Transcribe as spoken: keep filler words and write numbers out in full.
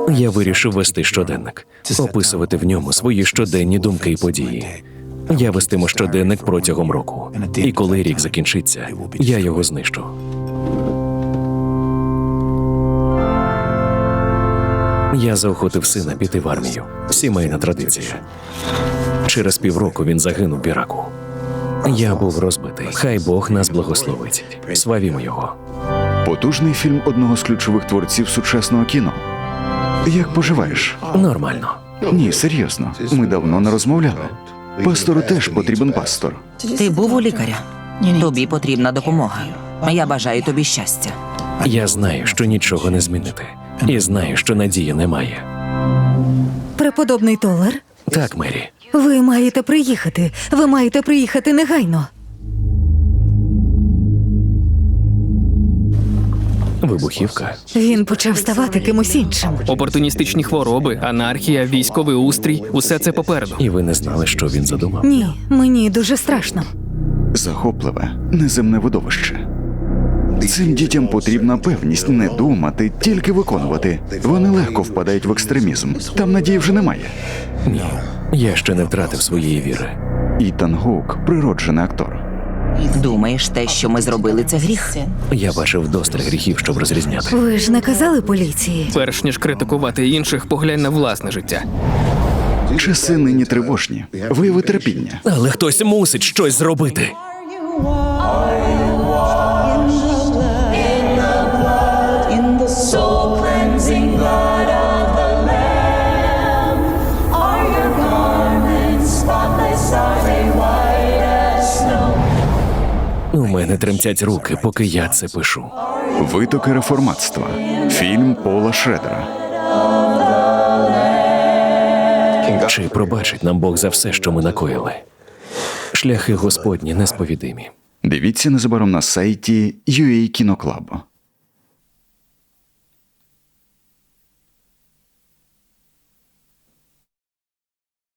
Я вирішив вести щоденник, описувати в ньому свої щоденні думки і події. Я вестиму щоденник протягом року. І коли рік закінчиться, я його знищу. Я заохотив сина піти в армію. Сімейна традиція. Через півроку він загинув в Іраку. Я був розбитий. Хай Бог нас благословить. Славімо його. Потужний фільм одного з ключових творців сучасного кіно. Як поживаєш? Нормально. Ні, серйозно. Ми давно не розмовляли. Пастору теж потрібен пастор. Ти був у лікаря? Тобі потрібна допомога. Я бажаю тобі щастя. Я знаю, що нічого не змінити. І знаю, що надії немає. Преподобний Толер, Так, Мері. ви маєте приїхати. Ви маєте приїхати негайно. Вибухівка. Він почав ставати кимось іншим. Опортуністичні хвороби, анархія, військовий устрій – усе це попереду. І ви не знали, що він задумав? Ні, мені дуже страшно. Захопливе, неземне видовище. Цим дітям потрібна певність не думати, тільки виконувати. Вони легко впадають в екстремізм. Там надії вже немає. Ні. Я ще не втратив своєї віри. Ітан Гоук – природжений актор. Думаєш, те, що ми зробили, це гріх? Я бачив вдосталь гріхів, щоб розрізняти. Ви ж не казали поліції? Перш ніж критикувати інших, поглянь на власне життя. Часи нині тривожні. Вияви терпіння. Але хтось мусить щось зробити. In the soul cleansing blood of the Lamb, are your garments spotless? Are they white as snow? У мене тремтять руки, поки я це пишу. Витоки реформатства. Фільм Пола Шредера. Чи пробачить нам Бог за все, що ми накоїли? Шляхи Господні несповідимі. Дивіться незабаром на сайті ю ей Кіноклаб.